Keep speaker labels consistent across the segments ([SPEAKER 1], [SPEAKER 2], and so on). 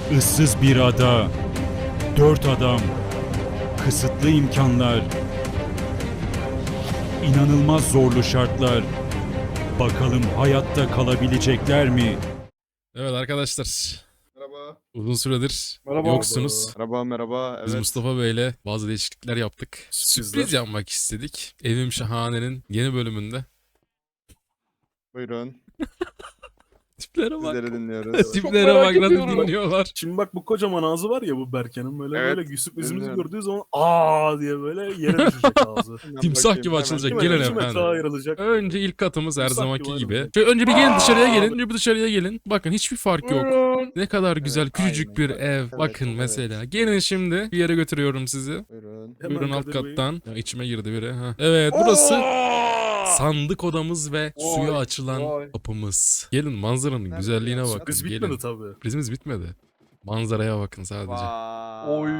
[SPEAKER 1] Issız bir ada, 4 adam, kısıtlı imkanlar, inanılmaz zorlu şartlar. Bakalım hayatta kalabilecekler mi?
[SPEAKER 2] Evet arkadaşlar.
[SPEAKER 3] Merhaba.
[SPEAKER 2] Uzun süredir
[SPEAKER 4] Merhaba.
[SPEAKER 2] yoksunuz.
[SPEAKER 3] Merhaba merhaba.
[SPEAKER 2] Biz
[SPEAKER 3] Evet.
[SPEAKER 2] Mustafa Bey'le bazı değişiklikler yaptık.
[SPEAKER 4] Sürprizler.
[SPEAKER 2] Sürpriz yapmak istedik. Evim Şahane'nin yeni bölümünde.
[SPEAKER 3] Buyurun.
[SPEAKER 2] Tiplere bak.
[SPEAKER 3] Sizleri dinliyoruz.
[SPEAKER 2] Tiplere
[SPEAKER 4] merak
[SPEAKER 2] bak nasıl
[SPEAKER 4] ediyorum.
[SPEAKER 2] dinliyorlar.
[SPEAKER 4] Şimdi bak bu kocaman ağzı var ya bu Berke'nin böyle
[SPEAKER 3] Evet,
[SPEAKER 4] böyle sürprizimizi
[SPEAKER 3] dinliyorum.
[SPEAKER 4] gördüğü zaman aa diye böyle yere düşecek ağzı.
[SPEAKER 3] Hemen
[SPEAKER 2] Timsah
[SPEAKER 3] bakayım,
[SPEAKER 2] gibi
[SPEAKER 3] hemen.
[SPEAKER 2] açılacak.
[SPEAKER 4] Değil mi?
[SPEAKER 2] Gelin
[SPEAKER 4] İki metre
[SPEAKER 2] efendim.
[SPEAKER 4] ayrılacak.
[SPEAKER 2] Önce ilk katımız her
[SPEAKER 4] Timsah
[SPEAKER 2] zamanki
[SPEAKER 4] gibi
[SPEAKER 2] gibi.
[SPEAKER 4] ayrılacak.
[SPEAKER 2] Şöyle önce bir gelin dışarıya
[SPEAKER 4] Aa!
[SPEAKER 2] gelin. Bir dışarıya gelin. Bakın hiçbir fark yok. Ne kadar güzel
[SPEAKER 3] Evet,
[SPEAKER 2] küçücük
[SPEAKER 3] aynen.
[SPEAKER 2] bir
[SPEAKER 3] Bak,
[SPEAKER 2] ev.
[SPEAKER 3] evet,
[SPEAKER 2] Bakın
[SPEAKER 3] evet.
[SPEAKER 2] mesela. Gelin şimdi bir yere götürüyorum sizi.
[SPEAKER 3] Buyurun.
[SPEAKER 4] Hemen
[SPEAKER 2] Buyurun alt
[SPEAKER 4] Kadir Bey.
[SPEAKER 2] kattan. Ya içime girdi biri. Ha. Evet burası sandık odamız ve suya açılan
[SPEAKER 4] vay.
[SPEAKER 2] kapımız. Gelin manzaranın
[SPEAKER 3] Nerede
[SPEAKER 2] güzelliğine
[SPEAKER 3] ya?
[SPEAKER 2] bakın.
[SPEAKER 4] Sürpriz
[SPEAKER 2] Gelin.
[SPEAKER 4] bitmedi tabii.
[SPEAKER 2] Sürprizimiz bitmedi. Manzaraya bakın sadece.
[SPEAKER 3] Vay.
[SPEAKER 4] Oy.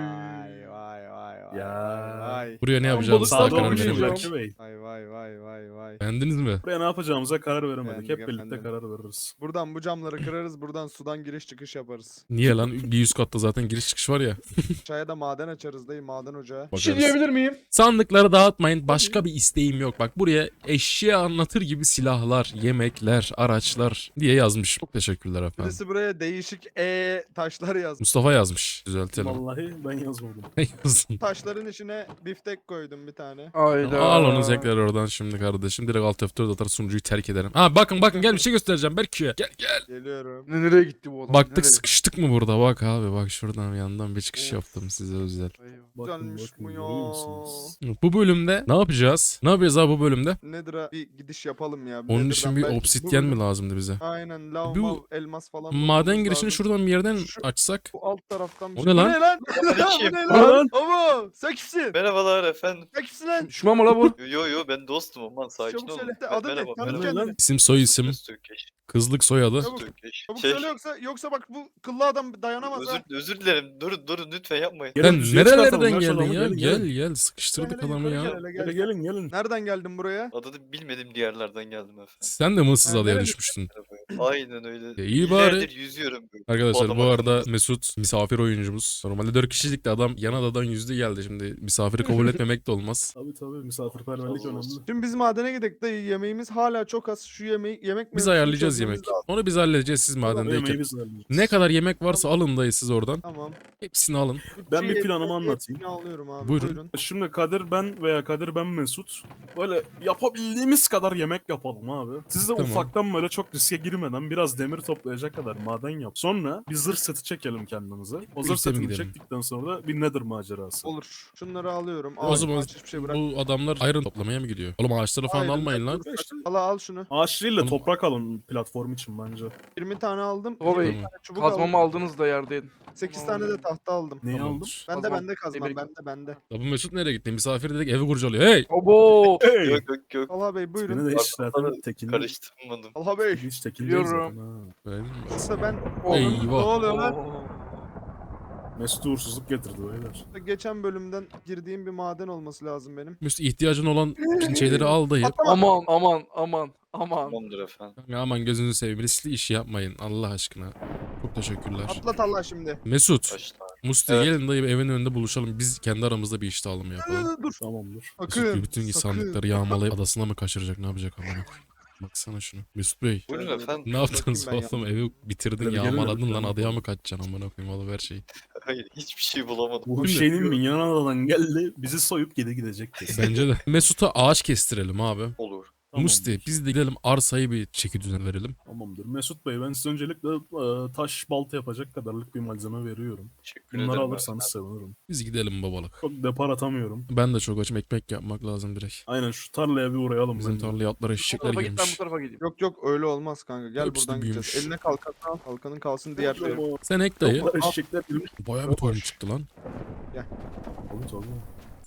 [SPEAKER 3] Vay vay
[SPEAKER 4] Ya.
[SPEAKER 3] vay.
[SPEAKER 2] Buraya ne
[SPEAKER 3] Vay.
[SPEAKER 2] yapacağımızı
[SPEAKER 4] Sağda
[SPEAKER 2] daha karar
[SPEAKER 4] oynayacağım
[SPEAKER 2] veremedik.
[SPEAKER 4] Berke Bey.
[SPEAKER 3] Vay vay vay vay vay.
[SPEAKER 2] Beğendiniz mi?
[SPEAKER 4] Buraya ne yapacağımıza karar veremedik.
[SPEAKER 3] Beğendik
[SPEAKER 4] Hep birlikte
[SPEAKER 3] efendim.
[SPEAKER 4] karar veririz.
[SPEAKER 3] Buradan bu camları kırarız. Buradan sudan giriş çıkış yaparız.
[SPEAKER 2] Niye lan? Bir üst katta zaten giriş çıkış var ya.
[SPEAKER 3] Çaya da maden açarız dayı. Maden ocağı.
[SPEAKER 4] Bir şey
[SPEAKER 2] Bakarız.
[SPEAKER 4] diyebilir miyim?
[SPEAKER 2] Sandıkları dağıtmayın. Başka bir isteğim yok. Bak buraya eşya anlatır gibi silahlar, yemekler, araçlar diye yazmış. Çok teşekkürler efendim.
[SPEAKER 3] Birisi buraya değişik taşlar yaz.
[SPEAKER 2] Mustafa yazmış. Düzeltelim.
[SPEAKER 4] Vallahi ben yazmadım.
[SPEAKER 2] Ne yazdın?
[SPEAKER 3] Taşların içine biftek koydum bir tane.
[SPEAKER 2] Al onu tekrar oradan şimdi kardeşim. Direkt alt F4 atar sunucuyu terk ederim. Ha bakın gel bir şey göstereceğim Berk'e. Gel.
[SPEAKER 3] Geliyorum.
[SPEAKER 5] Nereye gitti bu adam?
[SPEAKER 2] Baktık
[SPEAKER 5] Nereye?
[SPEAKER 2] sıkıştık mı burada? Bak abi bak şuradan yandan bir çıkış
[SPEAKER 3] Of.
[SPEAKER 2] yaptım size özel.
[SPEAKER 4] Bakın
[SPEAKER 3] Güzelmiş
[SPEAKER 4] bakın
[SPEAKER 3] bu ya.
[SPEAKER 4] görüyor musunuz?
[SPEAKER 2] Bu bölümde ne yapacağız? Ne yapacağız abi bu bölümde?
[SPEAKER 3] Nedir'a bir gidiş yapalım ya.
[SPEAKER 2] Onun
[SPEAKER 3] Nether'dan
[SPEAKER 2] için bir
[SPEAKER 3] belki
[SPEAKER 2] obsidyen
[SPEAKER 3] bu-
[SPEAKER 2] mi lazımdı bize?
[SPEAKER 3] Aynen lav,
[SPEAKER 2] Bu
[SPEAKER 3] mav, elmas falan.
[SPEAKER 2] Maden
[SPEAKER 3] bulmamız
[SPEAKER 2] girişini
[SPEAKER 3] lazım.
[SPEAKER 2] şuradan bir yerden
[SPEAKER 3] Şu-
[SPEAKER 2] açsak.
[SPEAKER 3] Bu alt taraftan bir
[SPEAKER 2] O
[SPEAKER 3] şey-
[SPEAKER 2] ne lan?
[SPEAKER 3] Bu ne lan?
[SPEAKER 5] Aleyküm.
[SPEAKER 3] Bu ne
[SPEAKER 4] Bu ne
[SPEAKER 3] lan?
[SPEAKER 4] lan?
[SPEAKER 3] Ama sen kimsin?
[SPEAKER 5] Merhabalar efendim.
[SPEAKER 3] Sen kimsin lan?
[SPEAKER 5] Düşman mı la bu? Yo ben dostum aman sakin
[SPEAKER 3] Çabuk
[SPEAKER 5] olun.
[SPEAKER 3] söyle. Adı ne?
[SPEAKER 5] Merhaba
[SPEAKER 3] Tanı
[SPEAKER 4] Ne
[SPEAKER 5] merhaba.
[SPEAKER 3] kendini.
[SPEAKER 2] İsim soy isim.
[SPEAKER 5] Öztürkeş.
[SPEAKER 2] Kızlık soyadı.
[SPEAKER 3] Çabuk.
[SPEAKER 5] Öztürkeş.
[SPEAKER 3] Çabuk
[SPEAKER 5] Şey,
[SPEAKER 3] söyle yoksa bak bu kıllı adam dayanamaz ha.
[SPEAKER 5] özür dilerim. Durun lütfen yapmayın.
[SPEAKER 4] Gelin
[SPEAKER 2] Sen
[SPEAKER 4] düzeye çıkartalım
[SPEAKER 2] nerelerden
[SPEAKER 4] ya şu
[SPEAKER 2] geldin
[SPEAKER 4] adamı,
[SPEAKER 2] ya?
[SPEAKER 4] gelin.
[SPEAKER 2] Gel sıkıştırdık
[SPEAKER 3] Hele
[SPEAKER 2] adamı
[SPEAKER 3] yukarı
[SPEAKER 2] ya.
[SPEAKER 3] gel, hele
[SPEAKER 4] Gelin
[SPEAKER 3] gel.
[SPEAKER 4] gelin.
[SPEAKER 3] Nereden geldin buraya?
[SPEAKER 5] Adını bilmediğim diyarlardan geldim efendim.
[SPEAKER 2] Sen de mıssız
[SPEAKER 3] Ha,
[SPEAKER 2] adaya
[SPEAKER 3] nereli?
[SPEAKER 2] düşmüştün.
[SPEAKER 5] Aynen öyle.
[SPEAKER 2] İyi bari.
[SPEAKER 5] Yıllardır yüzüyorum.
[SPEAKER 2] Arkadaşlar bu
[SPEAKER 5] adama
[SPEAKER 2] arada
[SPEAKER 5] kızdım.
[SPEAKER 2] Mesut misafir oyuncumuz. Normalde 4 kişilikti adam yan adadan yüzdü geldi. Şimdi misafiri kabul etmemek de olmaz.
[SPEAKER 4] Tabii misafirperverlik önemli.
[SPEAKER 3] Şimdi biz madene gidek dayı, yemeğimiz hala çok az. Şu yemek
[SPEAKER 2] Biz
[SPEAKER 3] mevzusunu
[SPEAKER 2] ayarlayacağız
[SPEAKER 3] çözmemiz
[SPEAKER 2] yemek.
[SPEAKER 3] lazım.
[SPEAKER 2] Onu biz halledeceğiz siz
[SPEAKER 4] Yemeği
[SPEAKER 2] madendeyken.
[SPEAKER 4] biz halledeceğiz.
[SPEAKER 2] Ne kadar yemek varsa alın dayı siz oradan.
[SPEAKER 3] Tamam.
[SPEAKER 2] Hepsini alın.
[SPEAKER 4] Ben bir
[SPEAKER 3] Şey,
[SPEAKER 4] planımı
[SPEAKER 3] hepsini
[SPEAKER 4] anlatayım.
[SPEAKER 3] alıyorum abi.
[SPEAKER 2] Buyurun.
[SPEAKER 4] Şimdi Kadir ben veya Kadir ben Mesut böyle yapabildiğimiz kadar yemek yapalım abi. Siz de
[SPEAKER 2] Tamam.
[SPEAKER 4] ufaktan böyle çok riske girmeden biraz demir toplayacak kadar maden yap. Sonra bir zırh seti çekelim kendimize. O zırh
[SPEAKER 2] Birlikte mi
[SPEAKER 4] setini
[SPEAKER 2] gidelim?
[SPEAKER 4] çektikten sonra bir Nether macerası.
[SPEAKER 3] Olur. Şunları alıyorum.
[SPEAKER 2] O zaman
[SPEAKER 3] hiçbir şey bırak.
[SPEAKER 2] bu adamlar ayrın toplamaya mı gidiyor? Oğlum ağaçları falan
[SPEAKER 3] Ayrın,
[SPEAKER 2] almayın lan.
[SPEAKER 3] Al şunu.
[SPEAKER 4] Ağaç değil de
[SPEAKER 2] Oğlum-
[SPEAKER 4] toprak alın platform için bence.
[SPEAKER 3] 20 tane aldım.
[SPEAKER 5] Baba
[SPEAKER 3] 20
[SPEAKER 5] bey,
[SPEAKER 3] tane çubuk
[SPEAKER 5] kazmamı
[SPEAKER 3] aldım.
[SPEAKER 5] aldınız da yerdeydin.
[SPEAKER 3] 8 tane de tahta aldım.
[SPEAKER 4] Neyi aldım?
[SPEAKER 2] Tamamdır.
[SPEAKER 3] Bende
[SPEAKER 5] Kazmam.
[SPEAKER 3] bende kazmam.
[SPEAKER 5] Demir-
[SPEAKER 3] Bende.
[SPEAKER 2] Ya bu Mesut nereye gitti? Misafir dedik evi kurcalıyor. Hey!
[SPEAKER 5] Obo.
[SPEAKER 4] Hey!
[SPEAKER 5] Yok.
[SPEAKER 3] Talha Bey buyurun.
[SPEAKER 4] Beni de hiç
[SPEAKER 5] Bak,
[SPEAKER 4] zaten tekinde.
[SPEAKER 5] Karıştırmadım.
[SPEAKER 3] Talha Bey.
[SPEAKER 4] Hiç tekinde değil
[SPEAKER 5] Biliyorum.
[SPEAKER 4] zaten ha.
[SPEAKER 2] Öyle mi?
[SPEAKER 3] Aslında ben
[SPEAKER 2] Eyvah.
[SPEAKER 3] ne oluyor lan?
[SPEAKER 4] Mesut uğursuzluk getirdi beyler.
[SPEAKER 3] Geçen bölümden girdiğim bir maden olması lazım benim.
[SPEAKER 2] Mesut ihtiyacın olan şeyleri al dayı.
[SPEAKER 5] Aman.
[SPEAKER 6] Tamamdır efendim.
[SPEAKER 2] Ya aman gözünüzü seveyim. Riskli iş yapmayın Allah aşkına. Çok teşekkürler.
[SPEAKER 3] Atla Talha şimdi.
[SPEAKER 2] Mesut,
[SPEAKER 6] Başla.
[SPEAKER 2] Musti
[SPEAKER 6] Evet.
[SPEAKER 2] gelin dayı evin önünde buluşalım. Biz kendi aramızda bir iş dağılımı yapalım.
[SPEAKER 3] Dur.
[SPEAKER 4] Tamamdır.
[SPEAKER 2] Mesut
[SPEAKER 3] Sakın.
[SPEAKER 2] bütün
[SPEAKER 3] sakın.
[SPEAKER 2] sandıkları yağmalayıp adasına mı kaçıracak ne yapacak amına. Baksana şunu. Mesut Bey
[SPEAKER 6] Buyurun efendim.
[SPEAKER 2] ne yaptınız
[SPEAKER 3] Bakayım ben
[SPEAKER 2] oğlum evi bitirdin
[SPEAKER 4] Hadi gelin
[SPEAKER 2] yağmaladın
[SPEAKER 4] hadi.
[SPEAKER 2] lan adaya mı kaçacaksın amına koyayım alıver şeyi.
[SPEAKER 6] Hayır hiçbir şey bulamadım.
[SPEAKER 4] Bu
[SPEAKER 2] Şimdi-
[SPEAKER 4] şeyin minyon adadan geldi bizi soyup geri gidecek kesin.
[SPEAKER 2] Bence de. Mesut'a ağaç kestirelim abi.
[SPEAKER 6] Olur.
[SPEAKER 2] Musti biz de gidelim arsayı bir çeki düzen verelim.
[SPEAKER 4] Tamamdır. Mesut Bey ben size öncelikle taş balta yapacak kadarlık bir malzeme veriyorum.
[SPEAKER 6] Teşekkür
[SPEAKER 4] Bunları
[SPEAKER 6] ederim.
[SPEAKER 4] alırsanız sevinirim.
[SPEAKER 2] Biz gidelim babalık.
[SPEAKER 4] Çok depar atamıyorum.
[SPEAKER 2] Ben de çok açım ekmek yapmak lazım direkt.
[SPEAKER 4] Aynen şu tarlaya bir uğrayalım.
[SPEAKER 2] Bizim
[SPEAKER 4] bence.
[SPEAKER 2] tarlaya atlara
[SPEAKER 5] Bu
[SPEAKER 2] eşekler
[SPEAKER 5] tarafa git ben bu
[SPEAKER 2] girmiş.
[SPEAKER 5] tarafa gideyim.
[SPEAKER 3] Yok öyle olmaz kanka. Gel
[SPEAKER 2] Hepsi de
[SPEAKER 3] buradan
[SPEAKER 2] büyümüş.
[SPEAKER 3] gideceğiz. Eline kalkanı al. Kalkanın kalsın diğer tarafı.
[SPEAKER 4] Ama
[SPEAKER 2] Sen ek dayı.
[SPEAKER 4] toplar eşekler girmiş.
[SPEAKER 2] Bayağı bir tohum çıktı lan.
[SPEAKER 4] Tabii tabii.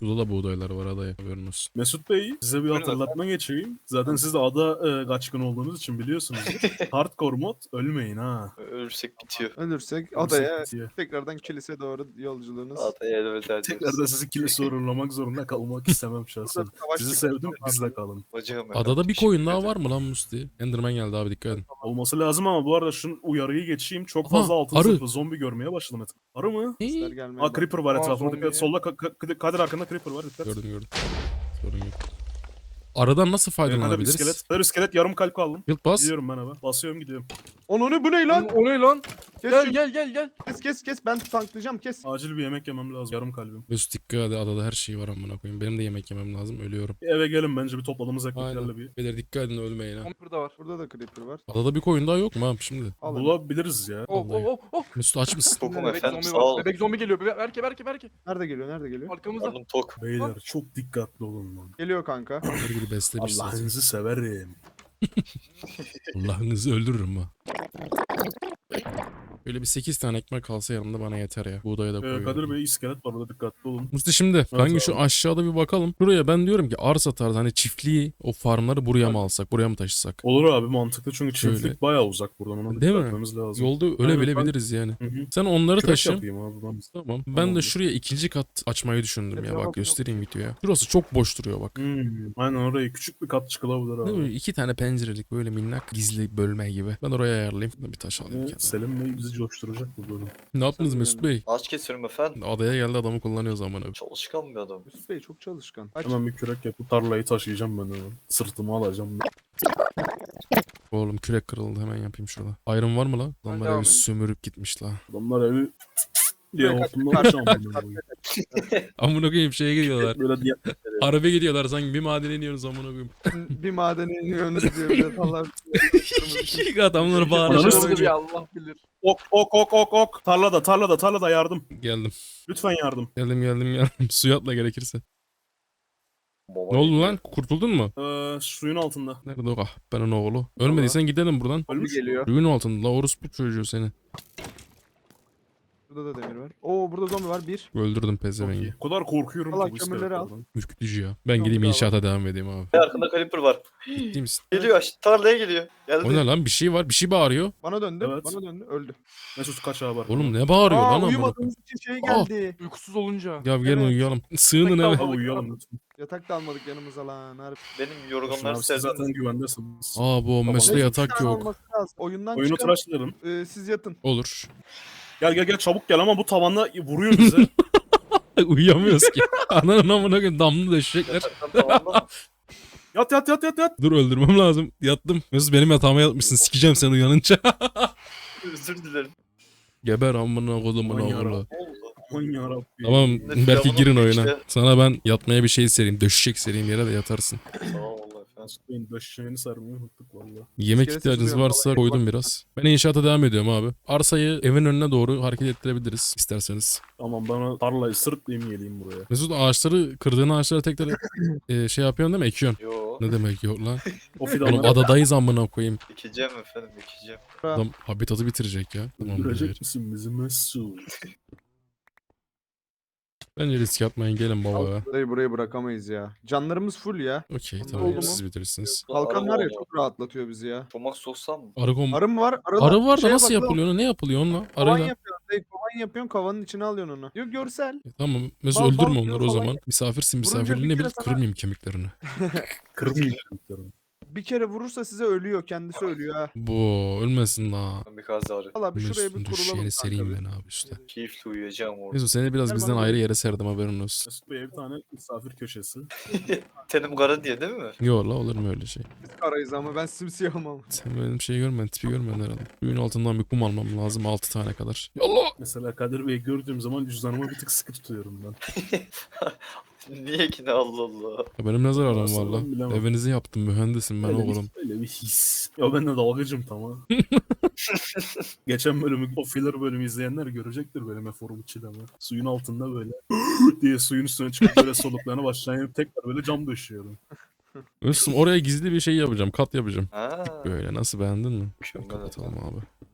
[SPEAKER 2] Burada da buğdaylar var adaya, haberin olsun.
[SPEAKER 4] Mesut Bey size bir
[SPEAKER 5] Buyurun
[SPEAKER 4] hatırlatma geçeyim. Zaten siz de ada kaçkın olduğunuz için biliyorsunuz. Hardcore mod ölmeyin ha.
[SPEAKER 5] Ölürsek bitiyor.
[SPEAKER 3] Ölürsek
[SPEAKER 4] Ölürsek
[SPEAKER 3] adaya
[SPEAKER 4] bitiyor.
[SPEAKER 3] tekrardan kilise doğru yolculuğunuz.
[SPEAKER 5] Adaya elveda ediyoruz.
[SPEAKER 4] Tekrar da sizi kilise uğurlamak zorunda kalmak istemem şahsen.
[SPEAKER 3] Burada savaş
[SPEAKER 4] Sizi
[SPEAKER 3] çıkıyor.
[SPEAKER 4] sevdim, bizle kalın.
[SPEAKER 5] Bacağım
[SPEAKER 2] Adada bir koyun daha var mı lan Musti? Enderman geldi abi, dikkat edin.
[SPEAKER 4] Olması lazım ama bu arada şunun uyarıyı geçeyim. Çok
[SPEAKER 2] Aha,
[SPEAKER 4] fazla altın
[SPEAKER 2] arı.
[SPEAKER 4] zırhlı zombi görmeye başladım. Arı mı?
[SPEAKER 3] Sesler gelmeye
[SPEAKER 4] Aa creeper var
[SPEAKER 5] Aa,
[SPEAKER 4] etrafında.
[SPEAKER 5] zombi.
[SPEAKER 4] Dikkat. Solda Kadir arkanda creeper var. Dikkat.
[SPEAKER 2] Gördüm. Sorun yok. Aradan nasıl
[SPEAKER 4] Kadir bir
[SPEAKER 2] faydalanabiliriz?
[SPEAKER 4] iskelet. Kadir iskelet yarım kalp aldım.
[SPEAKER 2] Yılt bas.
[SPEAKER 4] Gidiyorum ben abi. Basıyorum gidiyorum.
[SPEAKER 3] Onu ne bu ne lan?
[SPEAKER 5] O ne lan?
[SPEAKER 3] Kes
[SPEAKER 5] Gel
[SPEAKER 3] şunu.
[SPEAKER 5] gel.
[SPEAKER 3] Kes ben tanklayacağım kes.
[SPEAKER 4] Acil bir yemek yemem lazım. Yarım kalbim.
[SPEAKER 2] Mesut dikkat edin, adada her şey var amına koyayım. Benim de yemek yemem lazım, ölüyorum.
[SPEAKER 4] Bir eve gelin bence bir topladığımız ekmeklerle
[SPEAKER 2] Aynen.
[SPEAKER 4] bir.
[SPEAKER 2] Beyler dikkat edin, ölmeyin ha.
[SPEAKER 5] Burada var.
[SPEAKER 3] Burada da creeper var.
[SPEAKER 2] Adada bir koyun daha yok mu abi şimdi?
[SPEAKER 3] Al.
[SPEAKER 4] Bulabiliriz ya.
[SPEAKER 2] Vallahi.
[SPEAKER 5] Oh.
[SPEAKER 2] Mesut aç mısın?
[SPEAKER 5] Tokum
[SPEAKER 3] Bebek
[SPEAKER 5] efendim
[SPEAKER 6] zombi
[SPEAKER 5] sağ
[SPEAKER 6] var.
[SPEAKER 5] ol. Bebek zombi geliyor. Berke.
[SPEAKER 3] Nerede geliyor?
[SPEAKER 5] Arkamızda.
[SPEAKER 6] Karnım tok.
[SPEAKER 4] Beyler çok dikkatli olun lan.
[SPEAKER 3] Geliyor kanka.
[SPEAKER 2] Her biri beslemiş zaten.
[SPEAKER 4] Allah'ınızı severim.
[SPEAKER 2] Allah'ınızı öldürürüm ha. Böyle bir 8 tane ekmek kalsa yanımda bana yeter ya. Buğdaya da koyuyorum.
[SPEAKER 4] Kadir Bey iskelet var burada dikkatli olun.
[SPEAKER 2] Musti şimdi kanka şu
[SPEAKER 4] abi.
[SPEAKER 2] aşağıda bir bakalım. Buraya ben diyorum ki arsa tarzı hani çiftliği, o farmları buraya mı alsak, buraya mı taşısak?
[SPEAKER 4] Olur abi mantıklı çünkü
[SPEAKER 2] Şöyle.
[SPEAKER 4] çiftlik bayağı uzak buradan ona
[SPEAKER 2] Değil
[SPEAKER 4] dikkat
[SPEAKER 2] mi?
[SPEAKER 4] etmemiz lazım.
[SPEAKER 2] Yolda
[SPEAKER 4] Aynen,
[SPEAKER 2] ölebilebiliriz yani.
[SPEAKER 4] Hı hı.
[SPEAKER 2] Sen onları
[SPEAKER 4] Kürek
[SPEAKER 2] taşı.
[SPEAKER 4] yapayım abi ben.
[SPEAKER 2] Tamam. Ben de
[SPEAKER 4] Tamamdır.
[SPEAKER 2] şuraya ikinci kat açmayı düşündüm ya.
[SPEAKER 3] Etrafa
[SPEAKER 2] Bak göstereyim videoya. Şurası çok boş duruyor bak.
[SPEAKER 4] Aynen orayı küçük bir kat çıkılabilir
[SPEAKER 2] Değil
[SPEAKER 4] abi.
[SPEAKER 2] mi? 2 tane pencerelik böyle minnak gizli bölme gibi. Ben oraya ayarlayayım. Bir taş alayım
[SPEAKER 4] Evet,
[SPEAKER 2] kenara.
[SPEAKER 4] Selim Bey bizi coşturacak bu bölüm.
[SPEAKER 2] Ne yaptınız Mesut Bey?
[SPEAKER 6] Ağaç kesiyorum efendim.
[SPEAKER 2] Adaya geldi, adamı kullanıyoruz amına.
[SPEAKER 6] Çalışkan bir adam.
[SPEAKER 3] Yusuf Bey çok çalışkan. Aç.
[SPEAKER 4] Hemen bir kürek yapıp tarlayı taşıyacağım ben hemen. Sırtıma alacağım.
[SPEAKER 2] Oğlum kürek kırıldı, hemen yapayım şurada. Iron var mı la? Adamlar
[SPEAKER 5] devam
[SPEAKER 2] evi
[SPEAKER 5] et.
[SPEAKER 2] sömürüp gitmiş la.
[SPEAKER 4] Adamlar evi diye
[SPEAKER 3] Kürek
[SPEAKER 4] hortumdan aşağı
[SPEAKER 2] Amına koyayım şeye gidiyorlar.
[SPEAKER 4] Böyle diye.
[SPEAKER 2] Araba gidiyorlar sanki, bir madene iniyoruz amına koyayım.
[SPEAKER 3] Bir madene iniyorsunuz diyor. Bir de Allah.
[SPEAKER 2] Adamlar bağırıyor.
[SPEAKER 4] Ananı
[SPEAKER 5] Yaşadığı
[SPEAKER 4] sikeyim.
[SPEAKER 5] bir Allah bilir.
[SPEAKER 4] Ok. Tarlada yardım.
[SPEAKER 2] Geldim.
[SPEAKER 4] Lütfen yardım.
[SPEAKER 2] Geldim. Suya atla gerekirse.
[SPEAKER 6] Baba
[SPEAKER 2] Ne oldu
[SPEAKER 6] geliyor.
[SPEAKER 2] lan? Kurtuldun mu?
[SPEAKER 4] Suyun altında.
[SPEAKER 2] Nerede o kahpenin oğlu? Ölmediysen gidelim buradan.
[SPEAKER 4] Ölmüş.
[SPEAKER 3] Geliyor.
[SPEAKER 2] Suyun altında. La orospu çocuğu seni.
[SPEAKER 3] Burada da demir var. Oo burada zombi var. Bir.
[SPEAKER 2] Öldürdüm
[SPEAKER 4] Çok
[SPEAKER 2] pezevengi.
[SPEAKER 4] iyi. O kadar korkuyorum
[SPEAKER 3] Allah
[SPEAKER 4] ki bu
[SPEAKER 3] kömürleri al.
[SPEAKER 4] iskeletlerden.
[SPEAKER 2] Ürkütücü ya. Ben
[SPEAKER 3] Yok,
[SPEAKER 2] gideyim
[SPEAKER 3] bravo.
[SPEAKER 2] inşaata devam edeyim abi.
[SPEAKER 6] Arkında Creeper var.
[SPEAKER 2] Ciddi misin?
[SPEAKER 6] Geliyor tarlaya geliyor. Geldi.
[SPEAKER 2] O ne lan? Bir şey var. Bir şey bağırıyor.
[SPEAKER 3] Bana döndü.
[SPEAKER 4] Evet.
[SPEAKER 3] Bana döndü. Öldü.
[SPEAKER 4] Mesut kaçağı var.
[SPEAKER 2] Oğlum ne bağırıyor lan amına?
[SPEAKER 3] uyumadığımız için şey geldi.
[SPEAKER 5] Uykusuz olunca.
[SPEAKER 2] Ya gelin
[SPEAKER 3] Evet.
[SPEAKER 2] uyuyalım. Sığının
[SPEAKER 5] Bekle
[SPEAKER 2] eve.
[SPEAKER 4] Abi uyuyalım lütfen.
[SPEAKER 3] Yatak da almadık yanımıza lan. Harbi.
[SPEAKER 6] Benim
[SPEAKER 4] Tamam,
[SPEAKER 6] yorganları
[SPEAKER 4] siz
[SPEAKER 6] serdim.
[SPEAKER 4] zaten güvendesiniz.
[SPEAKER 2] Aa bu
[SPEAKER 4] Tamam.
[SPEAKER 2] Mesut'ta
[SPEAKER 3] Neyse,
[SPEAKER 2] yatak
[SPEAKER 3] bir tane
[SPEAKER 2] yok.
[SPEAKER 3] olması lazım. Oyundan
[SPEAKER 4] Oyunu
[SPEAKER 3] çıkalım.
[SPEAKER 4] tıraşlayalım.
[SPEAKER 3] Siz yatın.
[SPEAKER 2] Olur.
[SPEAKER 4] Gel çabuk gel ama bu tavanda vuruyor bize.
[SPEAKER 2] Uyuyamıyoruz ki. Ananın amına koyayım, damlı döşecekler.
[SPEAKER 6] Tamam mı?
[SPEAKER 4] Yat.
[SPEAKER 2] Dur öldürmem lazım. Yattım. Mesut benim yatağıma yatmışsın. Sikeceğim seni uyanınca.
[SPEAKER 6] Özür dilerim.
[SPEAKER 2] Geber amına kodumun
[SPEAKER 4] Aman
[SPEAKER 2] oğlu.
[SPEAKER 4] yarabbim.
[SPEAKER 6] Ne oldu?
[SPEAKER 4] Aman yarabbim.
[SPEAKER 2] Tamam
[SPEAKER 6] Ne
[SPEAKER 2] belki
[SPEAKER 6] firavunun
[SPEAKER 2] girin
[SPEAKER 6] bir
[SPEAKER 2] oyuna.
[SPEAKER 6] işte.
[SPEAKER 2] Sana ben yatmaya bir şey sereyim. Döşecek sereyim yere de yatarsın.
[SPEAKER 6] Sağ ol Allah efendim.
[SPEAKER 4] Mesut Bey'in döşeğini sarmayı unuttuk valla.
[SPEAKER 2] Yemek
[SPEAKER 3] İskelesi
[SPEAKER 2] ihtiyacınız
[SPEAKER 3] duruyor,
[SPEAKER 2] varsa
[SPEAKER 3] vallahi
[SPEAKER 2] koydum
[SPEAKER 3] bak.
[SPEAKER 2] biraz. Ben inşaata devam ediyorum abi. Arsayı evin önüne doğru hareket ettirebiliriz isterseniz.
[SPEAKER 4] Tamam bana tarlayı sırtlayayım geleyim buraya.
[SPEAKER 2] Mesut ağaçları, kırdığın ağaçları tekrar şey yapıyorsun değil mi? Ekiyorsun.
[SPEAKER 6] Yo.
[SPEAKER 2] Ne demek yok lan?
[SPEAKER 4] O
[SPEAKER 2] Oğlum
[SPEAKER 4] fidanları
[SPEAKER 2] adadayız amına koyayım.
[SPEAKER 6] Ekeceğim efendim ekeceğim.
[SPEAKER 2] Adam habitatı bitirecek ya. Tamam
[SPEAKER 4] öldürecek misin bizi Mesut?
[SPEAKER 2] Bence risk atmayın, gelin baba ya.
[SPEAKER 3] Burayı bırakamayız ya. Canlarımız full ya.
[SPEAKER 2] Okey
[SPEAKER 3] Oldu
[SPEAKER 2] tamam
[SPEAKER 3] mu?
[SPEAKER 2] siz bitirirsiniz.
[SPEAKER 3] Kalkan var ya
[SPEAKER 6] Araba
[SPEAKER 3] çok rahatlatıyor bizi ya.
[SPEAKER 6] Çomak soksam mı?
[SPEAKER 2] Arı
[SPEAKER 3] Arı mı var?
[SPEAKER 2] Arı var da
[SPEAKER 3] Şeye
[SPEAKER 2] nasıl
[SPEAKER 3] bak lan,
[SPEAKER 2] yapılıyor onu? Ne yapılıyor onunla?
[SPEAKER 3] Kovan
[SPEAKER 2] Arıyla.
[SPEAKER 3] yapıyorsun. Kovan yapıyorsun kovanın içine alıyorsun onu. Yok görsel.
[SPEAKER 2] Tamam. Mesut
[SPEAKER 3] Bal-
[SPEAKER 2] öldürme
[SPEAKER 3] bal
[SPEAKER 2] onları o
[SPEAKER 3] falan
[SPEAKER 2] zaman. Misafirsin,
[SPEAKER 3] Vurunca
[SPEAKER 2] misafirliğini
[SPEAKER 3] bir
[SPEAKER 2] bil,
[SPEAKER 3] kere sana-
[SPEAKER 2] kırmayayım kemiklerini.
[SPEAKER 4] Kırmayayım çocuklarım.
[SPEAKER 3] Bir kere vurursa size ölüyor. Kendisi ölüyor ha.
[SPEAKER 2] Bu ölmesin la.
[SPEAKER 6] Ben bir kaz ağrı.
[SPEAKER 3] Valla bir şuraya
[SPEAKER 2] Mesut'un
[SPEAKER 3] bir kurulalım
[SPEAKER 2] düşeceğini
[SPEAKER 3] kanka.
[SPEAKER 2] sereyim
[SPEAKER 3] bir.
[SPEAKER 2] ben abi işte.
[SPEAKER 6] Keyifli uyuyacağım orada.
[SPEAKER 2] Mesut seni biraz
[SPEAKER 3] Gel
[SPEAKER 2] bizden
[SPEAKER 3] bana
[SPEAKER 2] ayrı
[SPEAKER 3] doğru.
[SPEAKER 2] yere serdim haberin olsun.
[SPEAKER 4] Mesut Bey'e bir tane misafir köşesi.
[SPEAKER 6] Tenim kara diye değil mi?
[SPEAKER 2] Yok la, olur mu öyle şey?
[SPEAKER 3] Biz karayız ama ben simsiyahım ama.
[SPEAKER 2] Sen benim şeyi görmedin, tipi görmedin herhalde. Suyun altından bir kum almam lazım 6 tane kadar. Yallah!
[SPEAKER 4] Mesela Kadir Bey'i gördüğüm zaman cüzdanıma bir tık sıkı tutuyorum ben.
[SPEAKER 6] Niye ki ne Allah Allah.
[SPEAKER 2] Ya benim ne zararım
[SPEAKER 4] Aslında
[SPEAKER 2] var la?
[SPEAKER 4] ben bilemem.
[SPEAKER 2] Evinizi yaptım, mühendisim ben oğlum.
[SPEAKER 4] Öyle bir his. Ya ben de dalgıcım tamam. Geçen bölümü, o filler bölümü izleyenler görecektir benim eforum çilemi. Suyun altında böyle diye suyun üstüne çıkıp böyle soluklarına başlayıp tekrar böyle cam döşüyorum.
[SPEAKER 2] Mesut'um oraya gizli bir şey yapacağım, kat yapacağım.
[SPEAKER 6] Ha.
[SPEAKER 2] Böyle nasıl, beğendin mi?
[SPEAKER 6] Mükemmel
[SPEAKER 2] Kapatalım abi.